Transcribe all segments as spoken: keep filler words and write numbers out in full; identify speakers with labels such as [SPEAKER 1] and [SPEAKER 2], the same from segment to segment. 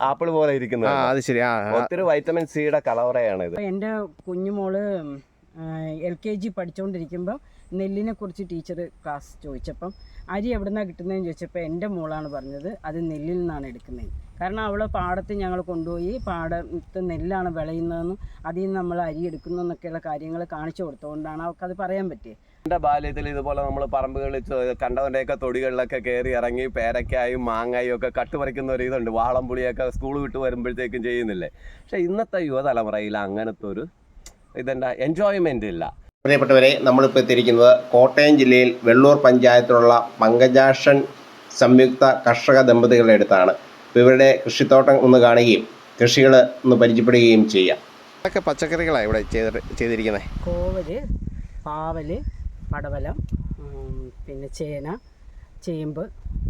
[SPEAKER 1] Apple പോലെ ഇരിക്കുന്നത്.
[SPEAKER 2] അത് ശരി.
[SPEAKER 1] ഒത്തിരി വൈറ്റമിൻ സിയുടെ കലവറയാണ് ഇത്.
[SPEAKER 3] എൻ്റെ കുഞ്ഞുമോള് എൽ കെ ജി പഠിച്ചുകൊണ്ടിരിക്കുമ്പോൾ നെല്ലിനെ കുറിച്ച് ടീച്ചർ ക്ലാസ് ചോദിച്ചപ്പം അരി എവിടെ നിന്നാണ് കിട്ടുന്നതെന്ന് ചോദിച്ചപ്പോൾ എൻ്റെ മോളാണ് പറഞ്ഞത് അത് നെല്ലിൽ നിന്നാണ് എടുക്കുന്നത്. കാരണം അവളെ പാടത്ത് ഞങ്ങൾ കൊണ്ടുപോയി പാടത്ത് നെല്ലാണ് വിളയുന്നതെന്നും അതിൽ നിന്ന് നമ്മൾ അരി എടുക്കുന്നു എന്നൊക്കെയുള്ള കാര്യങ്ങൾ കാണിച്ചു കൊടുത്തുകൊണ്ടാണ് അവൾക്കത് പറയാൻ പറ്റിയത്.
[SPEAKER 1] എൻ്റെ ബാല്യത്തിൽ ഇതുപോലെ നമ്മൾ പറമ്പുകളിൽ കണ്ടവൻ്റെയൊക്കെ തൊടികളിലൊക്കെ കയറി ഇറങ്ങി പേരക്കായും മാങ്ങായും ഒക്കെ കട്ടുപറിക്കുന്ന ഒരു ഇതുണ്ട്. വാളംപുളിയൊക്കെ സ്കൂൾ വിട്ട് വരുമ്പോഴത്തേക്കും ചെയ്യുന്നില്ലേ. പക്ഷേ ഇന്നത്തെ യുവതലമുറയിൽ അങ്ങനത്തെ ഒരു ഇതെന്താ എൻജോയ്മെൻ്റ് ഇല്ല.
[SPEAKER 2] പ്രിയപ്പെട്ടവരെ, നമ്മളിപ്പോൾ എത്തിയിരിക്കുന്നത് കോട്ടയം ജില്ലയിൽ വെള്ളൂർ പഞ്ചായത്തിലുള്ള പങ്കജാക്ഷൻ സംയുക്ത കർഷക ദമ്പതികളുടെ അടുത്താണ്. അപ്പോൾ ഇവരുടെ കൃഷിത്തോട്ടം ഒന്ന് കാണുകയും കൃഷികൾ ഒന്ന് പരിചയപ്പെടുകയും ചെയ്യാം. അതൊക്കെ പച്ചക്കറികളാണ് ഇവിടെ ചെയ്ത് ചെയ്തിരിക്കുന്നത്.
[SPEAKER 3] കോവല്, പാവല്, പടവലം, പിന്നെ ചേന, ചേമ്പ്,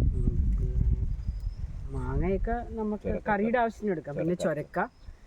[SPEAKER 3] മാങ്ങയൊക്കെ നമുക്ക് കറിയുടെ ആവശ്യത്തിന് എടുക്കാം. പിന്നെ ചൊരക്ക.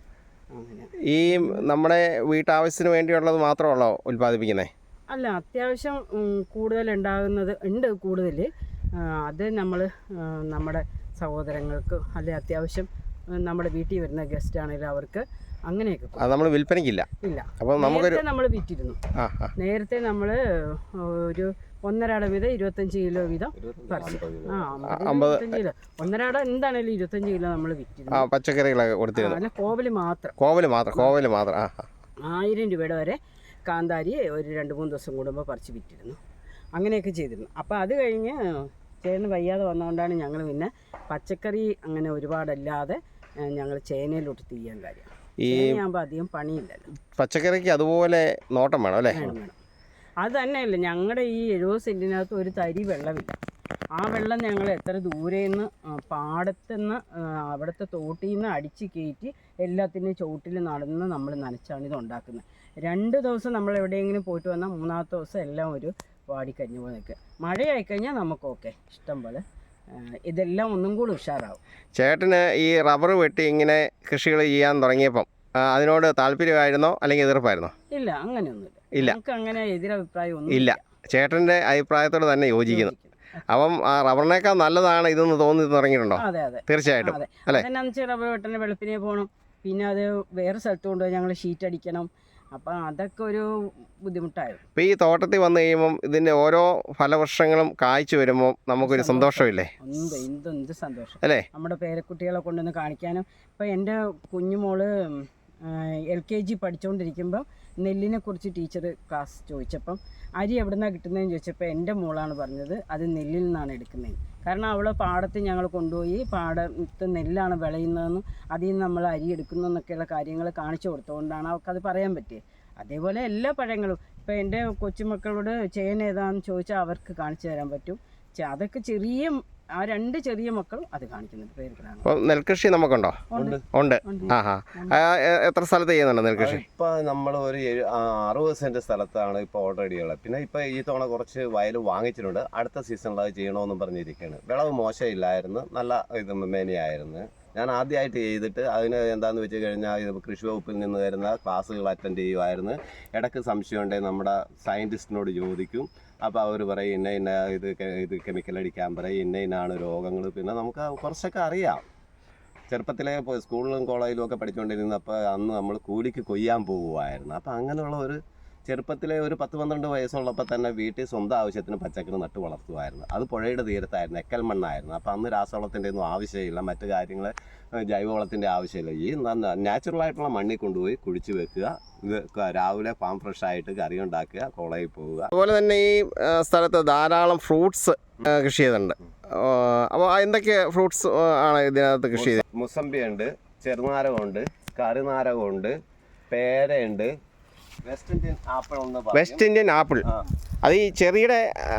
[SPEAKER 2] ഈ നമ്മുടെ വീട്ടാവശ്യത്തിന് വേണ്ടിയുള്ളത് മാത്രമല്ലോ ഉൽപ്പാദിപ്പിക്കുന്നത്?
[SPEAKER 3] അല്ല, അത്യാവശ്യം കൂടുതൽ ഉണ്ടാകുന്നത് ഉണ്ട്. കൂടുതൽ അത് നമ്മൾ നമ്മുടെ സഹോദരങ്ങൾക്ക് അല്ലെ അത്യാവശ്യം നമ്മുടെ വീട്ടിൽ വരുന്ന ഗസ്റ്റ് ആണെങ്കിലും അവർക്ക് അങ്ങനെയൊക്കെ.
[SPEAKER 2] അത് നമ്മൾ വിൽപ്പനയ്ക്കില്ല.
[SPEAKER 3] ഇല്ല.
[SPEAKER 2] അപ്പോൾ നമുക്കൊരു
[SPEAKER 3] നമ്മൾ വിറ്റിരുന്നു. നേരത്തെ നമ്മൾ ഒരു ഒന്നരാട വീതം ഇരുപത്തഞ്ച് കിലോ വീതം പറിച്ചു. ആ അമ്പത്തഞ്ച് കിലോ ഒന്നരാട എന്താണേലും ഇരുപത്തഞ്ച് കിലോ നമ്മൾ വിറ്റിരുന്നു.
[SPEAKER 2] പച്ചക്കറികളൊക്കെ കൊടുത്തിരുന്നു.
[SPEAKER 3] അല്ല, കോവല് മാത്രം.
[SPEAKER 2] കോവല് മാത്രം കോവല് മാത്രം
[SPEAKER 3] ആയിരം രൂപയുടെ വരെ കാന്താരി ഒരു രണ്ട് മൂന്ന് ദിവസം കൂടുമ്പോൾ പറിച്ച് വിറ്റിരുന്നു. അങ്ങനെയൊക്കെ ചെയ്തിരുന്നു. അപ്പോൾ അത് കഴിഞ്ഞ് ചേട്ടന് വയ്യാതെ വന്നതുകൊണ്ടാണ് ഞങ്ങൾ പിന്നെ പച്ചക്കറി അങ്ങനെ ഒരുപാടല്ലാതെ ഞങ്ങൾ ചേനയിലോട്ട് തീയാൻ കാര്യം. ഈ ചേനയാകുമ്പോൾ അധികം പണിയില്ലല്ലോ.
[SPEAKER 2] പച്ചക്കറിക്ക് അതുപോലെ നോട്ടം വേണം അല്ലേ?
[SPEAKER 3] വേണം വേണം. അത് തന്നെയല്ല, ഞങ്ങളുടെ ഈ എഴുപത് സെൻറ്റിനകത്ത് ഒരു തരി വെള്ളമില്ല. ആ വെള്ളം ഞങ്ങൾ എത്ര ദൂരെ നിന്ന് പാടത്തുനിന്ന് അവിടുത്തെ തോട്ടിൽ നിന്ന് അടിച്ച് കയറ്റി എല്ലാത്തിനും ചുവട്ടിൽ നടന്ന് നമ്മൾ നനച്ചാണ് ഇത് ഉണ്ടാക്കുന്നത്. രണ്ട് ദിവസം നമ്മൾ എവിടെയെങ്കിലും പോയിട്ട് വന്നാൽ മൂന്നാമത്തെ ദിവസം എല്ലാം ഒരു വാടിക്കഴിഞ്ഞ് പോലെ നിൽക്കുക. മഴയായിക്കഴിഞ്ഞാൽ നമുക്ക് ഓക്കെ ഇഷ്ടം പോലെ ഇതെല്ലാം ഒന്നും കൂടി ഉഷാറാവും.
[SPEAKER 2] ചേട്ടന് ഈ റബ്ബർ വെട്ടി ഇങ്ങനെ കൃഷികൾ ചെയ്യാൻ തുടങ്ങിയപ്പം അതിനോട് താല്പര്യമായിരുന്നോ അല്ലെങ്കിൽ എതിർപ്പായിരുന്നോ?
[SPEAKER 3] ഇല്ല, അങ്ങനെയൊന്നുമില്ല.
[SPEAKER 2] ഇല്ല,
[SPEAKER 3] നമുക്ക് അങ്ങനെ എതിരഭിപ്രായം ഒന്നും
[SPEAKER 2] ഇല്ല. ചേട്ടൻ്റെ അഭിപ്രായത്തോട് തന്നെ യോജിക്കുന്നു. അപ്പം റബ്ബറിനേക്കാൾ നല്ലതാണ് ഇതെന്ന് തോന്നി തുടങ്ങിയിട്ടുണ്ടോ?
[SPEAKER 3] അതെ അതെ,
[SPEAKER 2] തീർച്ചയായിട്ടും.
[SPEAKER 3] അല്ലേ? അതെന്നാന്ന് വെച്ചാൽ റബ്ബർ വെട്ടനെ വെളുപ്പിനെ പോകണം, പിന്നെ അത് വേറെ സ്ഥലത്ത് കൊണ്ടുപോയി ഞങ്ങൾ ഷീറ്റ് അടിക്കണം. അപ്പം അതൊക്കെ ഒരു ബുദ്ധിമുട്ടായിരുന്നു.
[SPEAKER 2] ഇപ്പം ഈ തോട്ടത്തിൽ വന്നു കഴിയുമ്പം ഇതിൻ്റെ ഓരോ ഫലവൃക്ഷങ്ങളും കായ്ച്ചു വരുമ്പോൾ നമുക്കൊരു സന്തോഷമില്ലേ?
[SPEAKER 3] എന്ത് എന്ത് എന്ത് സന്തോഷം
[SPEAKER 2] അല്ലേ?
[SPEAKER 3] നമ്മുടെ പേരക്കുട്ടികളെ കൊണ്ടുവന്ന് കാണിക്കാനും. ഇപ്പം എൻ്റെ കുഞ്ഞുമോള് എൽ കെ ജി പഠിച്ചുകൊണ്ടിരിക്കുമ്പോൾ നെല്ലിനെ കുറിച്ച് ടീച്ചർ ക്ലാസ് ചോദിച്ചപ്പം അരി എവിടെ നിന്നാണ് കിട്ടുന്നതെന്ന് ചോദിച്ചപ്പോൾ എൻ്റെ മോളാണ് പറഞ്ഞത് അത് നെല്ലിൽ നിന്നാണ് എടുക്കുന്നത്. കാരണം അവളെ പാടത്ത് ഞങ്ങൾ കൊണ്ടുപോയി പാടത്ത് നെല്ലാണ് വിളയുന്നതെന്നും അതിൽ നിന്ന് നമ്മൾ അരി എടുക്കുന്നു എന്നൊക്കെയുള്ള കാര്യങ്ങൾ കാണിച്ചു കൊടുത്തുകൊണ്ടാണ് അവൾക്കത് പറയാൻ പറ്റിയത്. അതേപോലെ എല്ലാ പഴങ്ങളും ഇപ്പോൾ എൻ്റെ കൊച്ചുമക്കളോട് ചേന ഏതാണെന്ന് ചോദിച്ചാൽ അവർക്ക് കാണിച്ചു തരാൻ പറ്റും. അതൊക്കെ ചെറിയ ആ രണ്ട് ചെറിയ മക്കളും അത് കാണിക്കുന്നുണ്ട്. പേരുകളാണ്.
[SPEAKER 2] നെൽകൃഷി നമുക്കുണ്ടോ? ഉണ്ട്. ആഹാ. എത്ര സ്ഥലത്ത് ചെയ്യുന്നുണ്ട് നെൽകൃഷി?
[SPEAKER 1] ഇപ്പം നമ്മൾ ഒരു അറുപത് സെൻറ്റ് സ്ഥലത്താണ് ഇപ്പോൾ ഓൾറെഡി ഉള്ളത്. പിന്നെ ഇപ്പോൾ ഈ തവണ കുറച്ച് വയൽ വാങ്ങിച്ചിട്ടുണ്ട്. അടുത്ത സീസണിൽ അത് ചെയ്യണമെന്നും പറഞ്ഞിരിക്കുകയാണ്. വിളവ് മോശമില്ലായിരുന്നു, നല്ല ഇത് മേനയായിരുന്നു. ഞാൻ ആദ്യമായിട്ട് ചെയ്തിട്ട് അതിന് എന്താണെന്ന് വെച്ച് കഴിഞ്ഞാൽ ഇത് കൃഷി വകുപ്പിൽ നിന്ന് വരുന്ന ക്ലാസ്സുകൾ അറ്റൻഡ് ചെയ്യുമായിരുന്നു. ഇടയ്ക്ക് സംശയമുണ്ടെങ്കിൽ നമ്മുടെ സയൻറ്റിസ്റ്റിനോട് ചോദിക്കും. അപ്പോൾ അവർ പറയും ഇന്ന ഇന്ന ഇത് ഇത് കെമിക്കൽ അടിക്കാൻ പറയും, ഇന്ന ഇന്നാണ് രോഗങ്ങൾ. പിന്നെ നമുക്ക് കുറച്ചൊക്കെ അറിയാം. ചെറുപ്പത്തിലെ സ്കൂളിലും കോളേജിലും ഒക്കെ പഠിച്ചുകൊണ്ടിരുന്നപ്പോൾ അന്ന് നമ്മൾ കൂലിക്ക് കൊയ്യാൻ പോകുമായിരുന്നു. അപ്പോൾ അങ്ങനെയുള്ള ഒരു ചെറുപ്പത്തിലെ ഒരു പത്ത് പന്ത്രണ്ട് വയസ്സുള്ളപ്പോൾ തന്നെ വീട്ടിൽ സ്വന്തം ആവശ്യത്തിന് പച്ചക്കറി നട്ട് വളർത്തുമായിരുന്നു. അത് പുഴയുടെ തീരത്തായിരുന്നു, എക്കൽ മണ്ണായിരുന്നു. അപ്പോൾ അന്ന് രാസവളത്തിൻ്റെ ഒന്നും ആവശ്യമില്ല, മറ്റു കാര്യങ്ങൾ ജൈവവളത്തിൻ്റെ ആവശ്യമില്ല. ഈ നാച്ചുറലായിട്ടുള്ള മണ്ണിൽ കൊണ്ടുപോയി കുഴിച്ച് വെക്കുക, ഇത് രാവിലെ ഫാം ഫ്രഷ് ആയിട്ട് കറി ഉണ്ടാക്കുക, കോളേജിൽ പോവുക.
[SPEAKER 2] അതുപോലെ തന്നെ ഈ സ്ഥലത്ത് ധാരാളം ഫ്രൂട്ട്സ് കൃഷി ചെയ്തിട്ടുണ്ട്. അപ്പോൾ എന്തൊക്കെ ഫ്രൂട്ട്സ് ആണ് ഇതിനകത്ത് കൃഷി ചെയ്തത്?
[SPEAKER 1] മുസമ്പി ഉണ്ട്, ചെറുനാരകമുണ്ട്, കറുനാരകമുണ്ട്, പേരയുണ്ട്, വെസ്റ്റ് ഇന്ത്യൻ ആപ്പിൾ ഉണ്ട്.
[SPEAKER 2] വെസ്റ്റ് ഇന്ത്യൻ ആപ്പിൾ അത് ഈ ചെറിയുടെ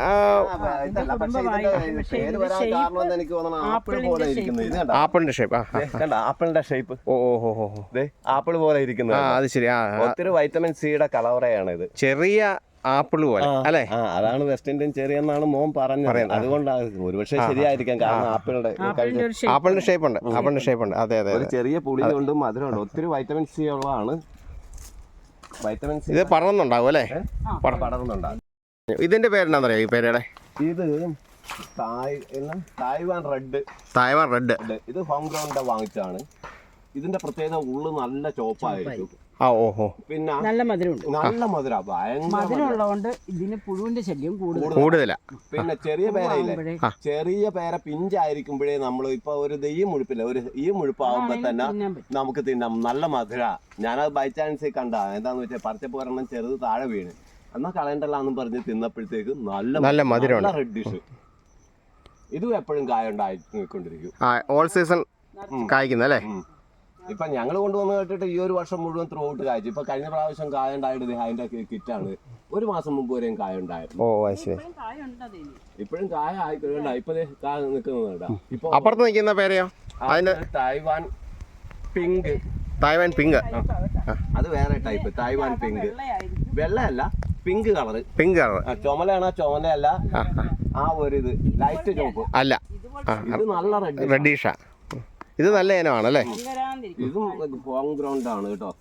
[SPEAKER 2] ആപ്പിളിന്റെ ഷേപ്പ്.
[SPEAKER 1] ആപ്പിളിന്റെ ഷേപ്പ്
[SPEAKER 2] ഓ ഓ ഓ
[SPEAKER 1] ആപ്പിൾ പോലെ ഇരിക്കുന്നത്.
[SPEAKER 2] അത് ശരി.
[SPEAKER 1] ഒത്തിരി വൈറ്റമിൻ സിയുടെ കലവറയാണ് ഇത്.
[SPEAKER 2] ചെറിയ ആപ്പിൾ പോലെ അല്ലേ?
[SPEAKER 1] അതാണ് വെസ്റ്റ് ഇന്ത്യൻ ചെറി എന്നാണ് മോൻ പറഞ്ഞത്. അതുകൊണ്ടാണ് ഒരുപക്ഷെ ശരിയായിരിക്കാം. കാരണം ആപ്പിളിന്റെ
[SPEAKER 2] ആപ്പിളിന്റെ ഷേപ്പ് ഉണ്ട്. ആപ്പിളിന്റെ ഷേപ്പ് ഉണ്ട്. അതെ അതെ.
[SPEAKER 1] ഒരു ചെറിയ പുളിയുണ്ട്, മധുരമുണ്ട്, ഒത്തിരി വൈറ്റമിൻ സി ഉള്ളതാണ്. വൈറ്റമിൻ സി
[SPEAKER 2] ഇത് പടർന്നുണ്ടാവും അല്ലേ?
[SPEAKER 1] പടർന്നുണ്ടാവും.
[SPEAKER 2] ഇതിന്റെ പേരെന്താണെന്നറിയോ? ഈ പേരുടെ
[SPEAKER 1] ഇത് തായ്വാൻ റെഡ്.
[SPEAKER 2] Taiwan red.
[SPEAKER 1] ഇത് ഹോം ഗ്രൗണ്ടിന്റെ വാങ്ങിച്ചാണ്. ഇതിന്റെ പ്രത്യേകത ഉള്ളു നല്ല ചോപ്പായിരിക്കും.
[SPEAKER 2] ആ ഓഹോ.
[SPEAKER 1] പിന്നെ
[SPEAKER 3] നല്ല മധുരമുണ്ട്.
[SPEAKER 1] നല്ല മധുര, ഭയങ്കര
[SPEAKER 3] മധുരം ഉള്ളതുകൊണ്ട് ഇതിന് പുഴുവിന്റെ ശല്യം കൂടുതൽ
[SPEAKER 2] കൂടുതലാ.
[SPEAKER 1] പിന്നെ ചെറിയ പേരയില്ലേ, ചെറിയ പേര പിഞ്ചായിരിക്കുമ്പോഴേ നമ്മൾ ഇപ്പൊ ഒരു ഈ മുഴുപ്പില്ല, ഒരു ഈ മുഴുപ്പാകുമ്പോ തന്നെ നമുക്ക് തിന്നാം. നല്ല മധുര. ഞാനത് ബൈ ചാൻസ് കണ്ട എന്താന്ന് വെച്ചാൽ പറിച്ചപ്പോ ഒരെണ്ണം ചെറുത് താഴെ വീണ്, എന്നാ കളയണ്ടല്ലാന്നും പറഞ്ഞ് തിന്നപ്പോഴത്തേക്ക് നല്ല
[SPEAKER 2] നല്ല മധുരം
[SPEAKER 1] റെഡ് ഡിഷ്. ഇതും എപ്പോഴും കായ ഉണ്ടായിക്കൊണ്ടിരിക്കും.
[SPEAKER 2] All season കായ്ക്കുന്നല്ലേ.
[SPEAKER 1] ഇപ്പൊ ഞങ്ങൾ കൊണ്ടുവന്ന് കേട്ടിട്ട് ഈ ഒരു വർഷം മുഴുവൻ ത്രൂ ഔട്ട് കായ്ച്ചു. ഇപ്പൊ കഴിഞ്ഞ പ്രാവശ്യം കായ ഉണ്ടായിട്ട് അതിന്റെ കിറ്റാണ്. ഒരു മാസം മുമ്പ് വരെയും കായ ഉണ്ടായിരുന്നു.
[SPEAKER 2] ഓ ശരി.
[SPEAKER 1] ഇപ്പോഴും കായ ആയിക്കഴിഞ്ഞ ഇപ്പൊ കായ നിൽക്കുന്നുണ്ട്. ഇപ്പൊ
[SPEAKER 2] അപ്പുറത്ത് നിൽക്കുന്ന പേരെയോ? അതിന്റെ
[SPEAKER 1] തായ്വാൻ പിങ്ക്.
[SPEAKER 2] തായ്വാൻ പിങ്ക്
[SPEAKER 1] അത് വേറെ ടൈപ്പ്. തായ്വാൻ പിങ്ക് വെള്ളയല്ല, പിങ്ക് കളറ്.
[SPEAKER 2] Pink colour.
[SPEAKER 1] ചുമലയാണോ ചോമലയല്ല, ആ ഒരു ഇത് ലൈറ്റ് ചോപ്പ്
[SPEAKER 2] അല്ല.
[SPEAKER 1] ഇത് നല്ല റെഡ്
[SPEAKER 2] റെഡീഷാ. ഇത് നല്ല ഇനമാണല്ലേ.
[SPEAKER 1] ഇതും ഹോം ഗ്രൗണ്ട് ആണ് കേട്ടോ.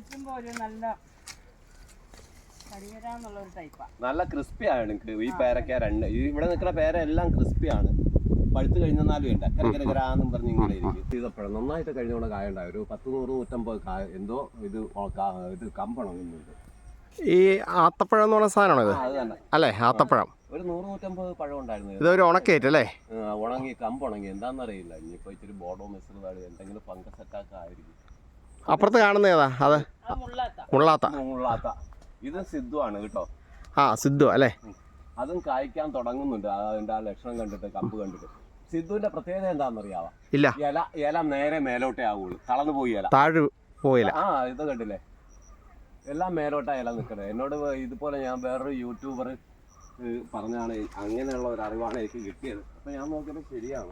[SPEAKER 1] നല്ല ക്രിസ്പി ആണ് ഈ പേരക്ക. രണ്ട് ഇവിടെ നിൽക്കുന്ന പേര എല്ലാം ക്രിസ്പി ആണ്. പഴുത്ത് കഴിഞ്ഞാലും ഉണ്ട് കരകരകരാന്നും പറഞ്ഞ് ഇങ്ങനെ ഇരിക്കും. ചെയ്തപ്പോഴും നന്നായിട്ട് കഴിഞ്ഞോടെ കായ ഉണ്ടായി. ഒരു പത്ത് നൂറ് നൂറ്റമ്പത് കായ എന്തോ ഇത് ഇത് കമ്പണങ്ങുന്നുണ്ട്.
[SPEAKER 2] ഈ ആത്തപ്പഴം എന്ന് പറഞ്ഞ സാധനമാണോ ഇത്?
[SPEAKER 1] അത് തന്നെ
[SPEAKER 2] അല്ലേ, ആത്തപ്പഴം.
[SPEAKER 1] ഒരു നൂറ് നൂറ്റമ്പത് പഴം ഉണ്ടായിരുന്നു.
[SPEAKER 2] ഇതൊരു ഉണക്കേറ്റല്ലേ?
[SPEAKER 1] ഉണങ്ങി കമ്പുണങ്ങി എന്താണെന്നറിയില്ല. ഇനിയിപ്പോ ഇച്ചിരി ബോർഡോ മിശ്രിതമാണ്, എന്തെങ്കിലും ഫംഗസ് അറ്റാക്ക് ആയിരിക്കും.
[SPEAKER 2] അപ്പുറത്ത് കാണുന്ന ഏതാ? അത് മുള്ളാത്ത.
[SPEAKER 1] മുള്ളാത്ത. ഇത് സിദ്ധു ആണ് കേട്ടോ.
[SPEAKER 2] ആ സിദ്ധു അല്ലേ.
[SPEAKER 1] അതും കായ്ക്കാൻ തുടങ്ങുന്നുണ്ട്. അതിന്റെ ആ ലക്ഷണം കണ്ടിട്ട്, കമ്പ് കണ്ടിട്ട്. സിദ്ധുവിന്റെ പ്രത്യേകത എന്താണെന്നറിയാവാ?
[SPEAKER 2] ഇല്ല.
[SPEAKER 1] ഇല ഇല നേരെ മേലോട്ടേ ആവുള്ളൂ. തളർന്നു പോയി ഇല,
[SPEAKER 2] താഴെ പോയില്ല.
[SPEAKER 1] ആ ഇത് കണ്ടില്ലേ, എല്ലാം മേലോട്ടാ ഇല നിൽക്കണേ. എന്നോട് ഇതുപോലെ ഞാൻ വേറൊരു യൂട്യൂബർ പറഞ്ഞാണ്, അങ്ങനെയുള്ള ഒരു അറിവാണ് എനിക്ക് കിട്ടിയത്. അപ്പൊ ഞാൻ നോക്കിയത് ശരിയാണ്.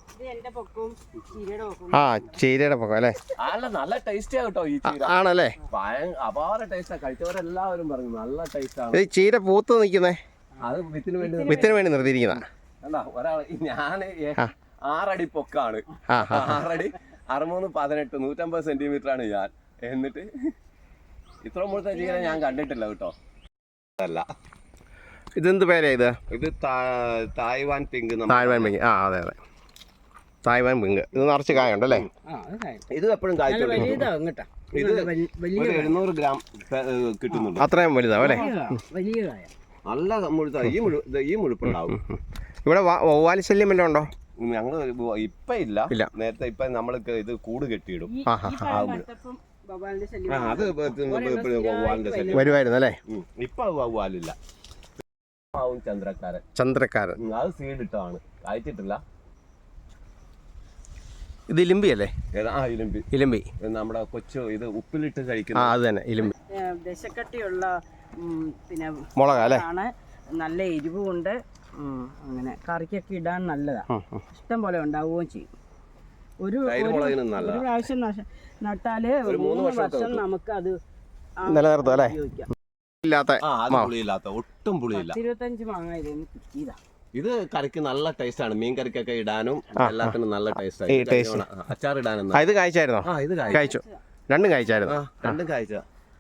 [SPEAKER 2] ആ ചീരയുടെ പൊക്കം അല്ലേ.
[SPEAKER 1] അല്ല, നല്ല ടേസ്റ്റാ കേട്ടോ ഈ ചീര.
[SPEAKER 2] ആണല്ലേ,
[SPEAKER 1] അപാര ടേസ്റ്റാ. കഴിച്ചവരെല്ലാവരും പറഞ്ഞു നല്ല ടേസ്റ്റ് ആണ്.
[SPEAKER 2] ഈ ചീര പൂത്ത് നിൽക്കുന്നേ
[SPEAKER 1] അത് വിത്തിന് വേണ്ടി
[SPEAKER 2] വിത്തിന് വേണ്ടി നിർത്തിയിരിക്കുന്ന.
[SPEAKER 1] അല്ല, ഒരാൾ ഞാൻ ആറടി പൊക്കാണ്. ആറടി അറുമൂന്ന് പതിനെട്ട് നൂറ്റമ്പത് സെന്റിമീറ്റർ ആണ് ഞാൻ. എന്നിട്ട് ഇത്ര മുഴുത്ത ചീര ഞാൻ കണ്ടിട്ടില്ല കേട്ടോ. അല്ല,
[SPEAKER 2] ഇതെന്ത് പേരാ ഇത്?
[SPEAKER 1] ഇത് തായ്വാൻ പിങ്ക്.
[SPEAKER 2] Taiwan pink. ആ അതെ അതെ, തായ്വാൻ പിങ്ക്. ഇത് നിറച്ച് കായുണ്ടല്ലേ.
[SPEAKER 1] ഇത് എപ്പോഴും കായ്ച്ചോണ്ടിരിക്കും. ഇത് ഒരു എഴുന്നൂറ് ഗ്രാം കിട്ടുന്നുണ്ട്.
[SPEAKER 2] അത്രയും വലുതാവും അല്ലേ.
[SPEAKER 1] നല്ല മുഴുത്ത. ഈ മുഴു ഈ മുഴുപ്പുണ്ടാവും.
[SPEAKER 2] ഇവിടെ വവ്വാല് ശല്യം വല്ലതും ഉണ്ടോ?
[SPEAKER 1] ഞങ്ങള് ഇപ്പൊ ഇല്ല. നേരത്തെ ഇപ്പൊ നമ്മൾക്ക് ഇത് കൂട് കെട്ടിയിടും. അത്
[SPEAKER 2] വരുമായിരുന്നു അല്ലേ.
[SPEAKER 1] ഇപ്പൊ വവ്വാലില്ല. ചന്ദ്രക്കാരൻ.
[SPEAKER 2] ചന്ദ്രക്കാരൻ
[SPEAKER 1] അത് സീഡ് ഇട്ടതാണ്, കായ്ച്ചിട്ടില്ല.
[SPEAKER 2] ഇത് ഇലിമ്പി അല്ലേ?
[SPEAKER 1] ആ ഇലിമ്പി.
[SPEAKER 2] ഇലിമ്പി
[SPEAKER 1] നമ്മുടെ കൊച്ചു ഇത് ഉപ്പിലിട്ട് കഴിക്കുന്ന.
[SPEAKER 2] ആ അത് തന്നെ ഇലിമ്പി.
[SPEAKER 3] ദശക്കട്ടിയുള്ള പിന്നെ
[SPEAKER 2] മുളക് അല്ലേ.
[SPEAKER 3] നല്ല എരിവുണ്ട്. അങ്ങനെ കറിക്കൊക്കെ ഇടാൻ നല്ലതാ. ഇഷ്ടം പോലെ ഉണ്ടാവുകയും ചെയ്യും. ഒരു ഒരു പ്രാവശ്യം നട്ടാല് ഒരു മൂന്ന് വർഷം നമുക്ക് അത്
[SPEAKER 2] നിലനിർത്തും അല്ലേ.
[SPEAKER 1] ഒട്ടും പുളിയില്ല.
[SPEAKER 3] ഇരുപത്തഞ്ച് മാങ്ങ കിട്ടിയതാ.
[SPEAKER 1] ഇത് കറിക്ക് നല്ല ടേസ്റ്റ് ആണ്. മീൻ കറിക്കൊക്കെ ഇടാനും എല്ലാത്തിനും നല്ല ടേസ്റ്റ് ആണ്. അച്ചാർ ഇടാനും.
[SPEAKER 2] ഇത് കായ്ച്ചായിരുന്നോ?
[SPEAKER 1] ആ ഇത്
[SPEAKER 2] കായ്ച്ചു. രണ്ടും കായ്ച്ചായിരുന്നു.
[SPEAKER 1] രണ്ടും കായ്ച്ച.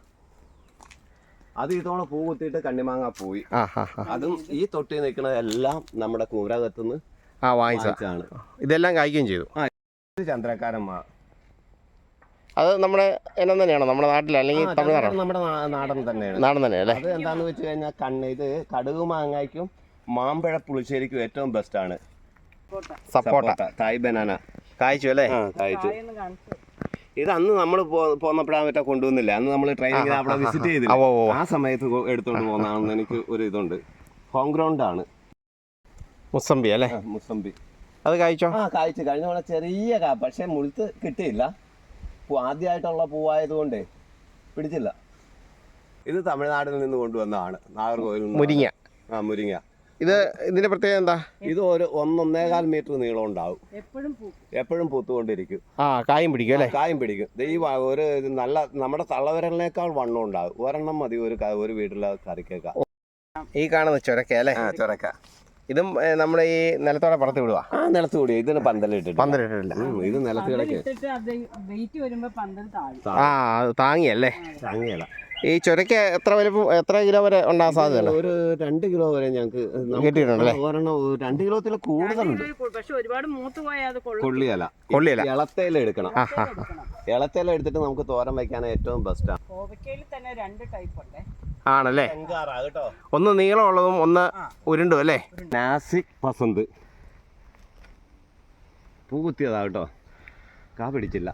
[SPEAKER 1] അത് ഇതോടെ പൂ കുത്തിയിട്ട് കണ്ണിമാങ്ങ പോയി. അതും ഈ തൊട്ടി നിൽക്കുന്നതെല്ലാം നമ്മുടെ കൂരകത്തുനിന്ന്
[SPEAKER 2] ആ വാങ്ങിച്ചാണ്. ഇതെല്ലാം കായ്ക്കുകയും ചെയ്തു.
[SPEAKER 1] ചന്ദ്രക്കാരൻ മാ.
[SPEAKER 2] അത് നമ്മുടെ ഇനം തന്നെയാണോ? നമ്മുടെ നാട്ടിൽ അല്ലെങ്കിൽ തമിഴ്നാടോ?
[SPEAKER 1] നമ്മുടെ നാടൻ തന്നെയാണ്.
[SPEAKER 2] നാടൻ തന്നെ അല്ലേ.
[SPEAKER 1] അത് എന്താന്ന് വെച്ച് കഴിഞ്ഞാൽ കണ്ണ് ഇത് കടുക് മാങ്ങയ്ക്കും മാമ്പഴ പുളിശ്ശേരിക്കും ഏറ്റവും ബെസ്റ്റ് ആണ്.
[SPEAKER 2] സപ്പോട്ട.
[SPEAKER 1] തായ് ബനാന
[SPEAKER 2] കായ്ച്ചു അല്ലേ.
[SPEAKER 1] കായ്ച്ചു. ഇത് അന്ന് നമ്മൾ പോന്നപ്പോഴാ മറ്റേ കൊണ്ടുവന്നില്ല. അന്ന് നമ്മൾ ട്രെയിനിങ് അവിടെ വിസിറ്റ് ചെയ്തില്ല. ആ സമയത്ത് എടുത്തോണ്ട് പോകുന്നതാണെന്ന് എനിക്ക് ഒരു ഇതുണ്ട്. ഹോം ഗ്രൗണ്ട് ആണ്.
[SPEAKER 2] മുസമ്പി അല്ലേ.
[SPEAKER 1] മുസമ്പി
[SPEAKER 2] അത് കായ്ച്ചോ? ആ
[SPEAKER 1] കായ്ച്ചു. കഴിഞ്ഞ തവണ ചെറിയ കാ, പക്ഷെ മുഴുത്ത് കിട്ടിയില്ല. ആദ്യമായിട്ടുള്ള പൂവായതുകൊണ്ടേ പിടിച്ചില്ല. ഇത് തമിഴ്നാട്ടിൽ നിന്ന് കൊണ്ടുവന്നതാണ്. നാഗർകോവിൽ മുരിങ്ങ. ആ മുരിങ്ങ.
[SPEAKER 2] ഇത് ഇതിന്റെ പ്രത്യേകത എന്താ?
[SPEAKER 1] ഇത് ഒരു ഒന്നൊന്നേകാൽ മീറ്റർ നീളം ഉണ്ടാവും. എപ്പോഴും പൂത്തുകൊണ്ടിരിക്കും.
[SPEAKER 2] ആ കായും പിടിക്കും അല്ലേ.
[SPEAKER 1] കായും പിടിക്കും. ഈ ഒരു നല്ല നമ്മുടെ തള്ളവിരലിനേക്കാൾ വണ്ണം ഉണ്ടാവും. ഒരെണ്ണം മതി ഒരു ഒരു വീട്ടിലെ കറിക്കേക്ക.
[SPEAKER 2] ഈ കാണുന്ന ചൊരക്ക അല്ലേ.
[SPEAKER 1] ചൊരക്ക.
[SPEAKER 2] ഇതും ഏ, നമ്മുടെ ഈ നിലത്തോടെ പുറത്ത് വിടുക.
[SPEAKER 1] ആ നിലത്ത് കൂടി ഇതിന് പന്തലിട്ടിട്ട്
[SPEAKER 2] പന്തലിട്ടിട്ടില്ല.
[SPEAKER 1] ഇത് നിലത്ത് കിടക്കുക
[SPEAKER 3] ഇട്ടിട്ട് അത് വെയിറ്റ് വരുമ്പോ പന്തൽ താഴും.
[SPEAKER 2] ആ അത് താങ്ങിയല്ലേ.
[SPEAKER 1] താങ്ങിയല്ല.
[SPEAKER 2] ഈ ചുരയ്ക്ക് എത്ര വലുപ്പം എത്ര കിലോ വരെ ഉണ്ടാകാൻ സാധ്യതയുണ്ട്?
[SPEAKER 1] ഒരു രണ്ട് കിലോ വരെ ഞങ്ങൾക്ക്
[SPEAKER 2] കിട്ടിയിട്ടുണ്ടല്ലേ?
[SPEAKER 1] ഒരെണ്ണം രണ്ട് കിലോത്തിൽ കൂടുതലുണ്ട്.
[SPEAKER 3] പക്ഷെ ഒരുപാട് മൂത്ത് പോയാൽ അത്
[SPEAKER 1] കൊള്ളിയല
[SPEAKER 2] കൊള്ളിയല.
[SPEAKER 1] ഇളത്തേല എടുക്കണം.
[SPEAKER 2] ആ ആ
[SPEAKER 1] ഇളത്തേല എടുത്തിട്ട് നമുക്ക് തോരൻ വയ്ക്കാൻ ഏറ്റവും ബെസ്റ്റാണ്.
[SPEAKER 3] കോവയ്ക്കയിൽ തന്നെ രണ്ട് ടൈപ്പ് ഉണ്ട്.
[SPEAKER 2] ആണല്ലേ?
[SPEAKER 1] കേട്ടോ,
[SPEAKER 2] ഒന്ന് നീളമുള്ളതും ഒന്ന് ഉരുണ്ടും അല്ലേ?
[SPEAKER 1] നാസിക് പസന്ത് പൂ കുത്തിയതാ കേട്ടോ, കാ പിടിച്ചില്ല.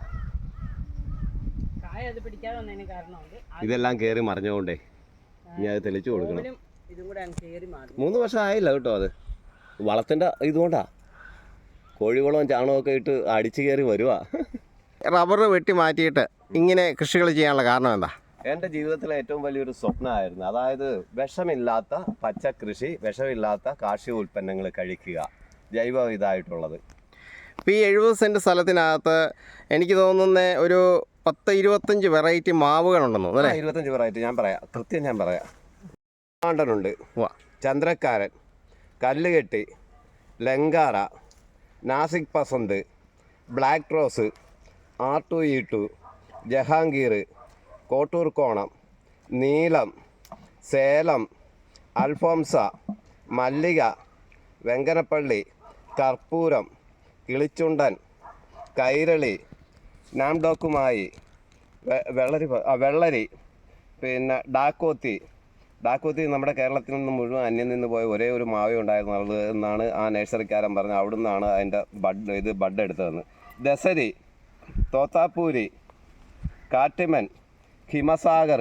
[SPEAKER 3] കായ അത് പിടിക്കാതെ വന്നതിന് കാരണമുണ്ട്.
[SPEAKER 1] ഇതെല്ലാം കയറി മറിഞ്ഞുകൊണ്ടേ ഇനി അത് തെളിച്ചു കൊടുക്കണം.
[SPEAKER 3] കോവലും ഇതും കൂടെ കയറി മാറി.
[SPEAKER 1] മൂന്ന് വർഷം ആയില്ല കേട്ടോ, അത് വളത്തിൻ്റെ ഇതുകൊണ്ടാ. കോഴിവളവും ചാണകമൊക്കെ ഇട്ട് അടിച്ചു കയറി വരുവാ.
[SPEAKER 2] റബ്ബർ വെട്ടി മാറ്റിയിട്ട് ഇങ്ങനെ കൃഷികൾ ചെയ്യാനുള്ള കാരണം എന്താ?
[SPEAKER 1] എൻ്റെ ജീവിതത്തിലെ ഏറ്റവും വലിയൊരു സ്വപ്നമായിരുന്നു. അതായത് വിഷമില്ലാത്ത പച്ചക്കൃഷി, വിഷമില്ലാത്ത കാർഷിക ഉൽപ്പന്നങ്ങൾ കഴിക്കുക, ജൈവ ഇതായിട്ടുള്ളത്.
[SPEAKER 2] ഇപ്പോൾ ഈ എഴുപത് സെൻറ്റ് സ്ഥലത്തിനകത്ത് എനിക്ക് തോന്നുന്ന ഒരു പത്ത് ഇരുപത്തഞ്ച് വെറൈറ്റി മാവുകളുണ്ടെന്ന് തോന്നുന്നു അല്ലേ?
[SPEAKER 1] ഇരുപത്തഞ്ച് വെറൈറ്റി ഞാൻ പറയാം, കൃത്യം ഞാൻ പറയാം. ആണ്ടനുണ്ട്,
[SPEAKER 2] വാ,
[SPEAKER 1] ചന്ദ്രക്കാരൻ, കല്ലുകെട്ടി, ലങ്കാറ, Nasik Pasand, black rose, R two E two, Jahangir, Kottur Konam, Neelam, Salem, അൽഫോംസ, മല്ലിക, വെങ്കനപ്പള്ളി, കർപ്പൂരം, കിളിച്ചുണ്ടൻ, കൈരളി, നാംഡോക്കുമായി, വെള്ളരി വെള്ളരി പിന്നെ ഡാക്കോത്തി. ഡാക്കോത്തി നമ്മുടെ കേരളത്തിൽ നിന്ന് മുഴുവൻ അന്യം നിന്ന് പോയ ഒരേ ഒരു മാവേ ഉണ്ടായിരുന്നുള്ളത് എന്നാണ് ആ നഴ്സറിക്കാരൻ പറഞ്ഞത്. അവിടെ നിന്നാണ് അതിൻ്റെ ബഡ് ഇത് ബഡ് എടുത്തതെന്ന്. ദസരി, തോത്താപ്പൂരി, കാട്ടിമൻ, ഹിമസാഗർ,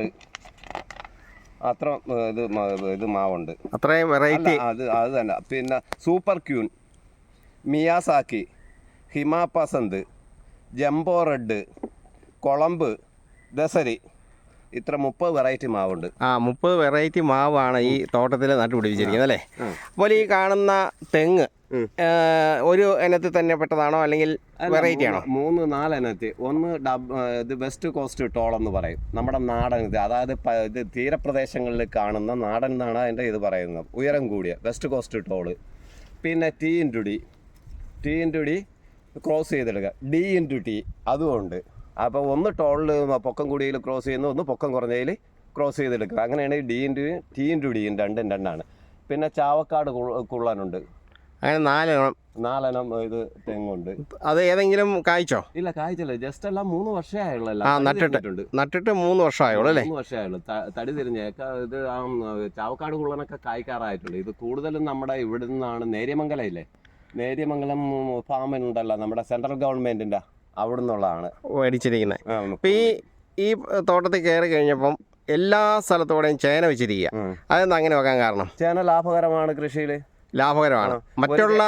[SPEAKER 1] അത്ര ഇത് ഇത് മാവുണ്ട്.
[SPEAKER 2] അത്രയും വെറൈറ്റി.
[SPEAKER 1] അത് അത് തന്നെ. പിന്നെ super queen, Miyazaki, Hima Pasand, jumbo red, കൊളമ്പ്, ദസരി, ഇത്ര മുപ്പത് വെറൈറ്റി മാവുണ്ട്.
[SPEAKER 2] ആ മുപ്പത് വെറൈറ്റി മാവാണ് ഈ തോട്ടത്തിൽ നട്ടുപിടിപ്പിച്ചിരിക്കുന്നത് അല്ലേ? അപ്പോൾ ഈ കാണുന്ന തെങ്ങ് ഒരു ഇനത്തിൽ തന്നെ പെട്ടതാണോ അല്ലെങ്കിൽ വെറൈറ്റി ആണോ?
[SPEAKER 1] മൂന്ന് നാലിനത്തിൽ. ഒന്ന് ഡബ് ഇത് വെസ്റ്റ് കോസ്റ്റ് ടോൾ എന്ന് പറയും, നമ്മുടെ നാടൻ ഇത്. അതായത് ഇത് തീരപ്രദേശങ്ങളിൽ കാണുന്ന നാടൻ എന്നാണ് അതിൻ്റെ ഇത് പറയുന്നത്, ഉയരം കൂടിയ വെസ്റ്റ് കോസ്റ്റ് ടോള്. പിന്നെ T into D, T into D cross ചെയ്തെടുക്കുക, ഡി ഇൻറ്റു ടി അതുമുണ്ട്. അപ്പോൾ ഒന്ന് ടോളിൽ പൊക്കം കൂടിയതിൽ ക്രോസ് ചെയ്യുന്നു, ഒന്ന് പൊക്കം കുറഞ്ഞതിൽ ക്രോസ് ചെയ്തെടുക്കുക. അങ്ങനെയാണ് ഡി ഇൻറ്റു ടി ഇൻറ്റു ഡിയും രണ്ടും രണ്ടാണ്. പിന്നെ ചാവക്കാട് കുള്ളനുണ്ട്.
[SPEAKER 2] അങ്ങനെ നാലെണ്ണം
[SPEAKER 1] നാലെണ്ണം ഇത് തെങ്ങുണ്ട്.
[SPEAKER 2] അത് ഏതെങ്കിലും കായ്ച്ചോ?
[SPEAKER 1] ഇല്ല, കായ്ച്ചില്ല. ജസ്റ്റ് എല്ലാം മൂന്ന് വർഷമേ ആയുള്ളൂ.
[SPEAKER 2] ആ നട്ടിട്ട് നട്ടിട്ട് മൂന്ന് വർഷമായുള്ളൂ അല്ലേ?
[SPEAKER 1] മൂന്ന് വർഷമേ ആയുള്ളൂ. തടി തിരിഞ്ഞേക്ക ഇത് ആ ചാവക്കാട് കുള്ളനൊക്കെ കായ്ക്കാറായിട്ടുണ്ട്. ഇത് കൂടുതലും നമ്മുടെ ഇവിടെ നിന്നാണ്. നേര്യമംഗലം ഇല്ലേ, നേര്യമംഗലം ഫാമിനുണ്ടല്ലോ നമ്മുടെ സെൻട്രൽ ഗവൺമെൻറ്റിൻ്റെ അവിടെ നിന്നുള്ളതാണ്
[SPEAKER 2] മേടിച്ചിരിക്കുന്നത്. അപ്പം ഈ ഈ തോട്ടത്തിൽ കയറി കഴിഞ്ഞപ്പം എല്ലാ സ്ഥലത്തോടെയും ചേന വെച്ചിരിക്കുക. അതെന്താ അങ്ങനെ വെക്കാൻ കാരണം?
[SPEAKER 1] ചേന ലാഭകരമാണ്, കൃഷിയിൽ ലാഭകരമാണ്.
[SPEAKER 2] മറ്റുള്ള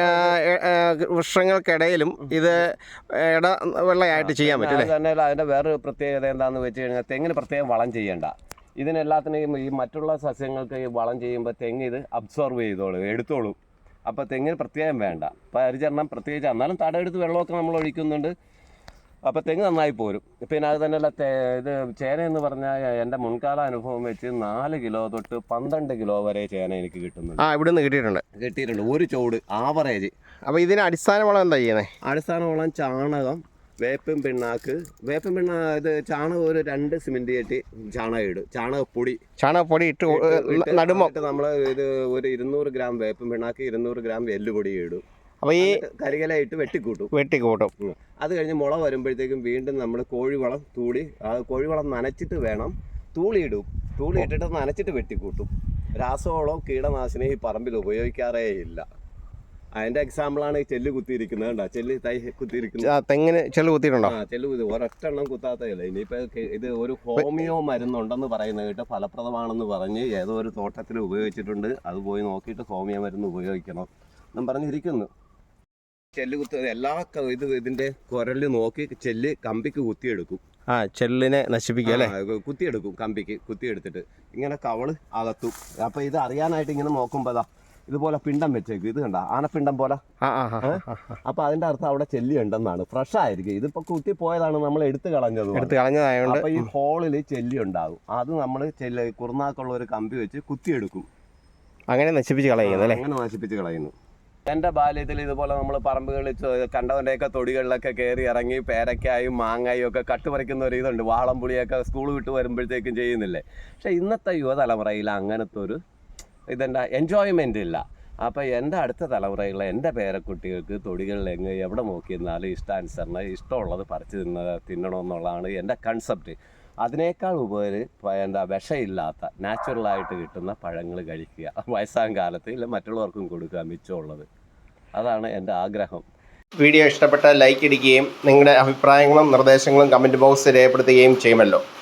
[SPEAKER 2] വൃക്ഷങ്ങൾക്കിടയിലും ഇത് ഇടവെള്ളയായിട്ട് ചെയ്യാൻ പറ്റും.
[SPEAKER 1] തന്നെ അതിൻ്റെ വേറൊരു പ്രത്യേകത എന്താണെന്ന് വെച്ച് കഴിഞ്ഞാൽ തെങ്ങിന് പ്രത്യേകം വളം ചെയ്യേണ്ട. ഇതിനെല്ലാത്തിനെയും ഈ മറ്റുള്ള സസ്യങ്ങൾക്ക് ഈ വളം ചെയ്യുമ്പോൾ തെങ്ങ് ഇത് അബ്സോർവ് ചെയ്തോളും, എടുത്തോളും. അപ്പോൾ തെങ്ങിന് പ്രത്യേകം വേണ്ട പരിചരണം പ്രത്യേകിച്ച്. എന്നാലും തടയെടുത്ത് വെള്ളമൊക്കെ നമ്മൾ ഒഴിക്കുന്നുണ്ട്. അപ്പോൾ തെങ്ങ് നന്നായി പോരും. പിന്നെ അത് തന്നെയല്ല, ഇത് ചേന എന്ന് പറഞ്ഞാൽ എൻ്റെ മുൻകാല അനുഭവം വെച്ച് നാല് കിലോ തൊട്ട് പന്ത്രണ്ട് കിലോ വരെ ചേന എനിക്ക് കിട്ടുന്നുണ്ട്.
[SPEAKER 2] ആ ഇവിടെ നിന്ന് കിട്ടിയിട്ടുണ്ട്
[SPEAKER 1] കിട്ടിയിട്ടുണ്ട് ഒരു ചോട് ആവറേജ്.
[SPEAKER 2] അപ്പോൾ ഇതിന് അടിസ്ഥാന വളം എന്താ ചെയ്യുന്നത്?
[SPEAKER 1] അടിസ്ഥാന വളം ചാണകം, വേപ്പും പിണ്ണാക്ക്. വേപ്പും പിണ്ണ ഇത് ചാണകം ഒരു രണ്ട് സിമെൻറ്റ് കെട്ടി ചാണകം ഇടും. ചാണകപ്പൊടി
[SPEAKER 2] ചാണകപ്പൊടി ഇട്ട് നടുമ്പോൾ
[SPEAKER 1] നമ്മൾ ഇത് ഒരു ഇരുന്നൂറ് ഗ്രാം വേപ്പും പിണ്ണാക്ക്, ഇരുന്നൂറ് ഗ്രാം എല്ലുപൊടി ഇടും.
[SPEAKER 2] അപ്പോൾ ഈ
[SPEAKER 1] കരികലയിട്ട് വെട്ടിക്കൂട്ടും
[SPEAKER 2] വെട്ടിക്കൂട്ടും
[SPEAKER 1] അത് കഴിഞ്ഞ് മുള വരുമ്പോഴത്തേക്കും വീണ്ടും നമ്മൾ കോഴിവളം തൂളി, ആ കോഴിവളം നനച്ചിട്ട് വേണം തൂളി ഇടും. തൂളി ഇട്ടിട്ട് നനച്ചിട്ട് വെട്ടിക്കൂട്ടും. രാസവളം കീടനാശിനി ഈ പറമ്പിൽ ഉപയോഗിക്കാറേ ഇല്ല. അതിന്റെ എക്സാമ്പിളാണ് ഈ ചെല്ല് കുത്തിയിരിക്കുന്നത്. കണ്ടോ, ചെല്ല് തൈ കുത്തിയിരിക്കുന്നത്.
[SPEAKER 2] തെങ്ങിന് ചെല്ല് കുത്തിയിട്ടുണ്ടോ?
[SPEAKER 1] ആ ചെല്ല് കുത്തി ഒരൊറ്റ എണ്ണം കുത്താത്തതല്ല. ഇനിയിപ്പോ ഇത് ഒരു ഹോമിയോ മരുന്നുണ്ടെന്ന് പറയുന്നത് കേട്ട് ഫലപ്രദമാണെന്ന് പറഞ്ഞ് ഏതോ ഒരു തോട്ടത്തിൽ ഉപയോഗിച്ചിട്ടുണ്ട്. അത് പോയി നോക്കിയിട്ട് ഹോമിയോ മരുന്ന് ഉപയോഗിക്കണം എന്നും പറഞ്ഞിരിക്കുന്നു. ചെല്ല് കുത്ത എല്ലാ ഇത് ഇതിന്റെ കുരല് നോക്കി ചെല്ല് കമ്പിക്ക് കുത്തിയെടുക്കും.
[SPEAKER 2] ആ ചെല്ലിനെ നശിപ്പിക്കുക അല്ലേ?
[SPEAKER 1] കുത്തിയെടുക്കും, കമ്പിക്ക് കുത്തിയെടുത്തിട്ട് ഇങ്ങനെ കവള് അകത്തും. അപ്പൊ ഇത് അറിയാനായിട്ട് ഇങ്ങനെ നോക്കുമ്പോഴാ ഇതുപോലെ പിണ്ടം വെച്ചേക്കും. ഇത് കണ്ട ആനപ്പിണ്ടം പോലെ. അപ്പൊ അതിന്റെ അർത്ഥം അവിടെ ചെല്ലി ഉണ്ടെന്നാണ്. ഫ്രഷ് ആയിരിക്കും. ഇതിപ്പോ കുത്തി പോയതാണ്, നമ്മൾ എടുത്തു കളഞ്ഞത്
[SPEAKER 2] എടുത്ത് കളഞ്ഞതായതുകൊണ്ട്.
[SPEAKER 1] അപ്പൊ ഈ ഹോളിൽ ചെല്ലി ഉണ്ടാകും. അത് നമ്മൾ ചെല്ലി കുറുനാക്കുള്ള ഒരു കമ്പി വെച്ച് കുത്തിയെടുക്കും.
[SPEAKER 2] അങ്ങനെ നശിപ്പിച്ച് കളയുന്നു അല്ലേ?
[SPEAKER 1] അങ്ങനെ നശിപ്പിച്ച് കളയുന്നു. എൻ്റെ ബാല്യത്തിൽ ഇതുപോലെ നമ്മൾ പറമ്പുകളിൽ കണ്ടവൻ്റെയൊക്കെ തൊടികളിലൊക്കെ കയറി ഇറങ്ങി പേരക്കായും മാങ്ങായും ഒക്കെ കട്ടുപറിക്കുന്ന ഒരു ഇതുണ്ട്. വാളംപുളിയൊക്കെ സ്കൂൾ വിട്ട് വരുമ്പോഴത്തേക്കും ചെയ്യുന്നില്ലേ. പക്ഷേ ഇന്നത്തെ യുവതലമുറയിൽ അങ്ങനത്തെ ഒരു ഇതെന്താ എൻജോയ്മെൻ്റ് ഇല്ല. അപ്പോൾ എൻ്റെ അടുത്ത തലമുറയിലുള്ള എൻ്റെ പേരക്കുട്ടികൾക്ക് തൊടികളിൽ എങ്ങ് എവിടെ നോക്കിയിരുന്നാലും ഇഷ്ടാനുസരണം ഇഷ്ടമുള്ളത് പറിച്ച് തിന്ന തിന്നണമെന്നുള്ളതാണ് എൻ്റെ കൺസെപ്റ്റ്. അതിനേക്കാൾ ഉപരി എന്താ വിഷമില്ലാത്ത നാച്ചുറലായിട്ട് കിട്ടുന്ന പഴങ്ങൾ കഴിക്കുക, വയസ്സാം കാലത്ത് ഇല്ല മറ്റുള്ളവർക്കും കൊടുക്കുക മിച്ചമുള്ളത്. അതാണ് എൻ്റെ ആഗ്രഹം.
[SPEAKER 2] വീഡിയോ ഇഷ്ടപ്പെട്ടാൽ ലൈക്ക് ഇടുകയും നിങ്ങളുടെ അഭിപ്രായങ്ങളും നിർദ്ദേശങ്ങളും കമൻറ്റ് ബോക്സിൽ രേഖപ്പെടുത്തുകയും ചെയ്യുമല്ലോ.